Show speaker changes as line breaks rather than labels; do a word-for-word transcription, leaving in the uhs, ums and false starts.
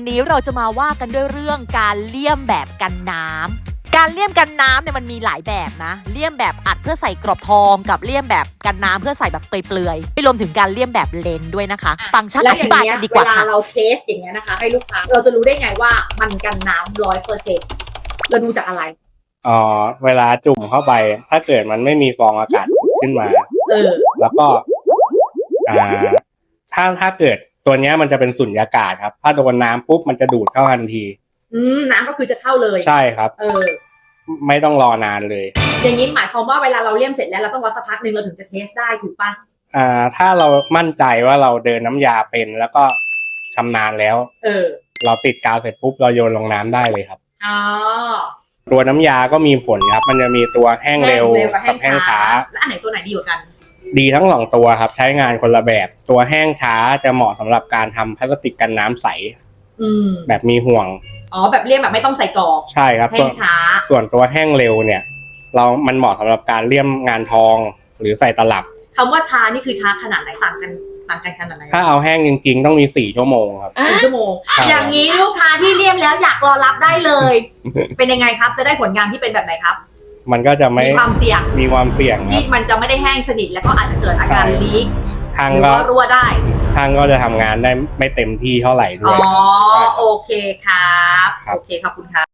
นี้เราจะมาว่ากันด้วยเรื่องการเลี่ยมแบบกันน้ำการเลี่ยมกันน้ำเนี่ยมันมีหลายแบบนะเลี่ยมแบบอัดเพื่อใส่กรอบทองกับเลี่ยมแบบกันน้ำเพื่อใส่แบบเปลือยๆไปรวมถึงการเลี่ยมแบบเลนด้วยนะคะฟังก์ชันอธิบายกันดีกว่าค่ะ
เวลาเราเทสอย่างเงี้ยนะคะให้ลูกค้าเราจะรู้ได้ไงว่ามันกันน้ำร้อยเปอร์เซ็นต์เราดูจากอะไร
อ๋อเวลาจุ่มเข้าไปถ้าเกิดมันไม่มีฟองอากาศขึ้นมา
เออ
แล้วก็อ่าถ้าถ้าเกิดตัวเนี้ยมันจะเป็นสุญญากาศครับถ้าโดนน้ำปุ๊บมันจะดูดเข้าทันที
อืมน้ำก็คือจะเข้าเลย
ใช่ครับ
เออ
ไม่ต้องรอนานเลย
อย่างนี้หมายความว่าเวลาเราเลี่ยมเสร็จแล้วเราต้องวัดสักพักนึงเราถึงจะเทสได้ถูกปะ
อ่าถ้าเรามั่นใจว่าเราเดินน้ำยาเป็นแล้วก็ชำนาญแล้ว
เออ
เราติดกาวเสร็จปุ๊บเราโยนลงน้ำได้เลยครับ
อ๋อ
ตัวน้ำยาก็มีผลครับมันจะมีตัวแห้งเร็วกับแห้งช้า
แล้วอันไหนตัวไหนดีกว่ากัน
ดีทั้งสองตัวครับใช้งานคนละแบบตัวแห้งช้าจะเหมาะสำหรับการทำพลาสติกกันน้ำใส
อืม
แบบมีห่วง
อ๋อแบบเลี่ยมแบบไม่ต้องใส่กรอบ
ใช่ครับ
แห้งช้า
ส่วนตัวแห้งเร็วเนี่ยเรามันเหมาะสำหรับการเลี่ยมงานทองหรือใส่ตลับ
คำว่าช้านี่คือช้าขนาดไหนต่างกันต่างกันขนาดไหน
ถ้าเอาแห้งจริงๆต้องมีสี่ชั่วโมงครับ
สี่ชั่วโมงอย่างนี้ลูกค้าที่เลี่ยมแล้วอยากรอรับได้เลย เป็นยังไงครับจะได้ผลงานที่เป็นแบบไหนครับ
มันก็จะไม่
มีความเสี่ยง
มีความเสี่ยง
ที่มันจะไม่ได้แห้งสนิทแล้วก็อาจจะเกิดอาการลีก
ทาง
ก็รั่วได้
ทางก็จะทำงานได้ไม่เต็มที่เท่าไหร่ด้วย
อ๋อโอเคครับโอเคขอบคุณครับ